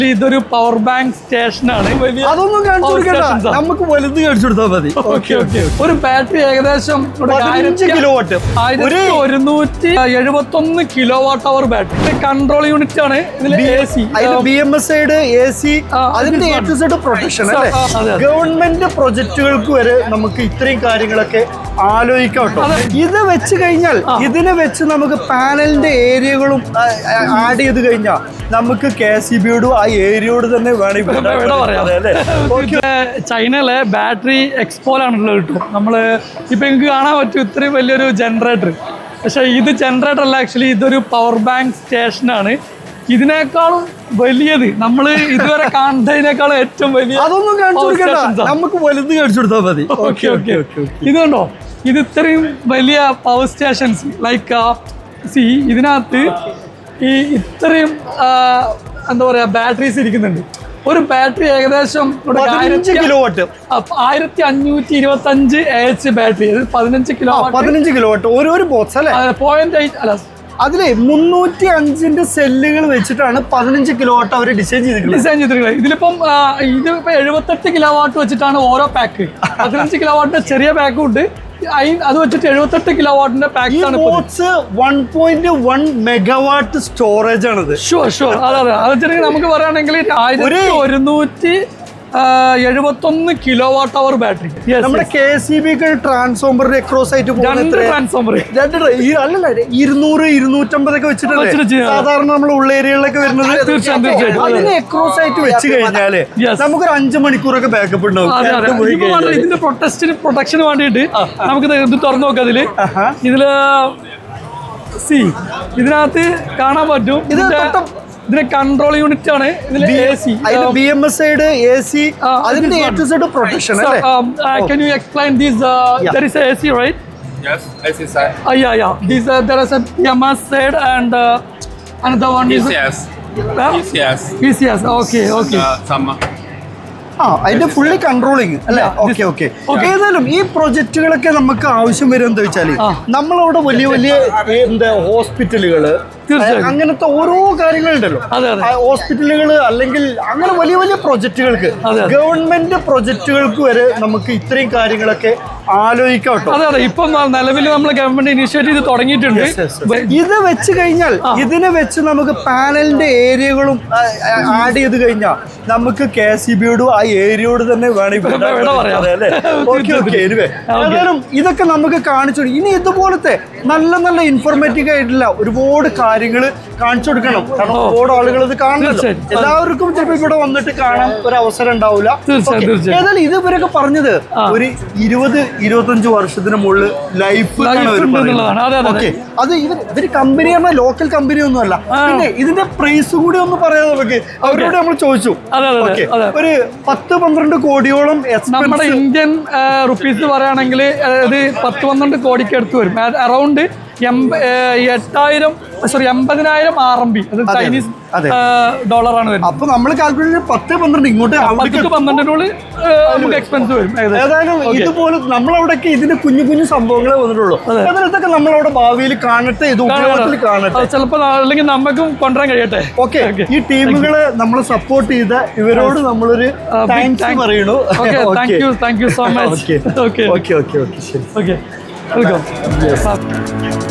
ഇതൊരു power bank സ്റ്റേഷനാണ്. അതൊന്നും കാണിച്ചു കൊടുക്കണ്ട, നമുക്ക് വലുത് കാണിച്ചു കൊടുത്താൽ മതി. ഒരു ബാറ്ററി ഏകദേശം 15 kilowatt, 1171 kilowatt hour battery. Control unit ആണ് ഇതിൽ. BMS AC, അതിന്റെ A to Z പ്രൊട്ടക്ഷൻ അല്ലേ. ഗവൺമെന്റ് പ്രൊജക്ടുകൾക്ക് വരെ നമുക്ക് ഇത്രയും കാര്യങ്ങളൊക്കെ ആലോചിക്കാം കേട്ടോ. ഇത് വെച്ച് കഴിഞ്ഞാൽ ഇതിനെ വെച്ച് നമുക്ക് പാനലിന്റെ ഏരിയകളും ആഡ് ചെയ്ത് കഴിഞ്ഞാൽ നമുക്ക് KCBയോട് ആ ഏരിയയോട് തന്നെ ചൈനയിലെ ബാറ്ററി എക്സ്പോലാണുള്ളത് കിട്ടും. നമ്മള് ഇപ്പൊ എനിക്ക് കാണാൻ പറ്റും ഇത്രയും വലിയൊരു ജനറേറ്റർ. പക്ഷെ ഇത് ജനറേറ്റർ അല്ല, ആക്ച്വലി ഇതൊരു പവർ ബാങ്ക് സ്റ്റേഷനാണ്. ഇതിനേക്കാളും വലിയത് നമ്മൾ ഇതുവരെ കാണുന്നതിനേക്കാളും ഏറ്റവും വലിയ. അതൊന്നും കാണിച്ചു കൊടുക്കണ്ട, നമുക്ക് വലുത് കാണിച്ചു കൊടുത്താൽ മതി. ഇത് കണ്ടോ, ഇത് ഇത്രയും വലിയ പവർ സ്റ്റേഷൻസ് ലൈക്ക് ഇതിനകത്ത് ഈ ഇത്രയും എന്താ പറയാ ബാറ്ററീസ് ഇരിക്കുന്നുണ്ട്. ഒരു ബാറ്ററി ഏകദേശം 15 കിലോവാട്ട്, 1525 AH ബാറ്ററി. 15 കിലോവാട്ട് ഒരു ബോക്സ് അല്ലേ. 0.8 അല്ല, അതിലെ 305 സെല്ലുകൾ വെച്ചിട്ടാണ് 15 കിലോവാട്ട് അവർ ഡിസൈൻ ചെയ്തിട്ടുള്ളത്. ഇതിലിപ്പം 78 കിലോവാട്ട് വെച്ചിട്ടാണ് ഓരോ പാക്ക്. 15 കിലോവാട്ടിന്റെ ചെറിയ പാക്കും ഉണ്ട്, അത് വെച്ചിട്ട് 78 കിലോവാട്ടിന്റെ പാക്ക് ആണ്. 1.1 മെഗാവാട്ട് സ്റ്റോറേജ് ആണത്. ഷുവർ അതെ. അത് വെച്ചിട്ടുണ്ടെങ്കിൽ നമുക്ക് പറയുകയാണെങ്കിൽ 1171 കിലോവാട്ട് അവർ ബാറ്ററി. നമ്മുടെ KCB ട്രാൻസ്ഫോമറിന്റെ അക്രോസ് ആയിട്ട് ട്രാൻസ്ഫോമർ 200-250 ഒക്കെ വെച്ചിട്ടുണ്ട് സാധാരണ നമ്മൾ ഉള്ള ഏരിയകളിലൊക്കെ വരുന്നത്. അതിന് അക്രോസ് ആയിട്ട് വെച്ച് കഴിഞ്ഞാല് നമുക്കൊരു 5 മണിക്കൂറൊക്കെ ബാക്കപ്പ് ഉണ്ടാവും. ഇതിന്റെ പ്രൊട്ടക്ഷന് വേണ്ടിയിട്ട് നമുക്ക് ഇത് തുറന്നു നോക്കാം. ഇതിനകത്ത് കാണാൻ പറ്റും ഇതിന്റെ കൺട്രോൾ യൂണിറ്റ് ആണ്. ഇതിൽ BMS AC, അതിന്റെ A to Z പ്രൊട്ടക്ഷൻ അല്ലേ. Can you explain this? There is a AC, right? Yes, AC side. Yeah. There is a BMS side and another one is ECS. Okay. അതിന്റെ fully controlling അല്ലേ. Okay. ഏതായാലും ഈ പ്രൊജക്ടുകളൊക്കെ നമുക്ക് ആവശ്യം വരും എന്താ വെച്ചാല് നമ്മളവിടെ വലിയ എന്താ ഹോസ്പിറ്റലുകള്, അങ്ങനത്തെ ഓരോ കാര്യങ്ങളുണ്ടല്ലോ. ഹോസ്പിറ്റലുകൾ അല്ലെങ്കിൽ അങ്ങനെ വലിയ പ്രൊജക്ടുകൾക്ക്, ഗവൺമെന്റ് പ്രൊജക്ടുകൾക്ക് വരെ നമുക്ക് ഇത്രയും കാര്യങ്ങളൊക്കെ ആലോചിക്കാം കേട്ടോ. അതെ. ഇപ്പം നിലവിൽ നമ്മൾ ഗവൺമെന്റ് ഇനിഷ്യേറ്റ് ചെയ്ത് തുടങ്ങിയിട്ടുണ്ട്. ഇത് വെച്ച് കഴിഞ്ഞാൽ ഇതിനെ വെച്ച് നമുക്ക് പാനലിന്റെ ഏരിയകളും ആഡ് ചെയ്ത് കഴിഞ്ഞാൽ നമുക്ക് KCBയോട് ആ ഏരിയയോട് തന്നെ ഏതായാലും ഇതൊക്കെ നമുക്ക് കാണിച്ചു. ഇനി ഇതുപോലത്തെ നല്ല ഇൻഫോർമേറ്റീവ് ആയിട്ടുള്ള ഒരുപാട് കാര്യങ്ങൾ കാണിച്ചു കൊടുക്കണം. കാരണം ഒരുപാട് ആളുകൾ ഇത് കാണുന്നുണ്ട്. എല്ലാവർക്കും ചിലപ്പോൾ ഇവിടെ വന്നിട്ട് കാണാൻ ഒരു അവസരം ഉണ്ടാവില്ല. ഏതായാലും ഇതുവരെയൊക്കെ പറഞ്ഞത് ഒരു 20-25 വർഷത്തിന് മുകളിൽ ലൈഫ്. അത് ഇവര് കമ്പനി പറഞ്ഞാൽ ലോക്കൽ കമ്പനി ഒന്നും അല്ല. പിന്നെ ഇതിന്റെ പ്രൈസ് കൂടി ഒന്ന് പറയാം നമുക്ക്. അവരോട് നമ്മൾ ചോദിച്ചു. ഒരു 10-12 കോടിയോളം നമ്മുടെ ഇന്ത്യൻ റുപ്പീസ് പറയുകയാണെങ്കിൽ അത് 10-12 കോടിക്ക് അടുത്ത് വരും. അറൗണ്ട് 80,000 RMB, അത് ചൈനീസ് ഡോളറാണ് വരുന്നത്. അപ്പൊ നമ്മൾ കാൽക്കുലേറ്റ് 10-12 ഇങ്ങോട്ട് 12 നമുക്ക് എക്സ്പെൻസ് വരും. ഏതായാലും ഇതുപോലെ നമ്മളവിടെയൊക്കെ ഇതിന്റെ കുഞ്ഞു സംഭവങ്ങളെ വന്നിട്ടുള്ളൂ. അതിനകത്തൊക്കെ നമ്മളവിടെ ഭാവിയിൽ കാണട്ടെ, ഇത് ഉപയോഗത്തിൽ കാണട്ടെ. ചിലപ്പോൾ അല്ലെങ്കിൽ നമുക്കും കൊണ്ടുവരാൻ കഴിയട്ടെ. ഓക്കെ. ഈ ടീമുകളെ നമ്മളെ സപ്പോർട്ട് ചെയ്ത ഇവരോട് നമ്മളൊരു താങ്ക്സ് പറയണു. Thank you so much. Okay. Welcome.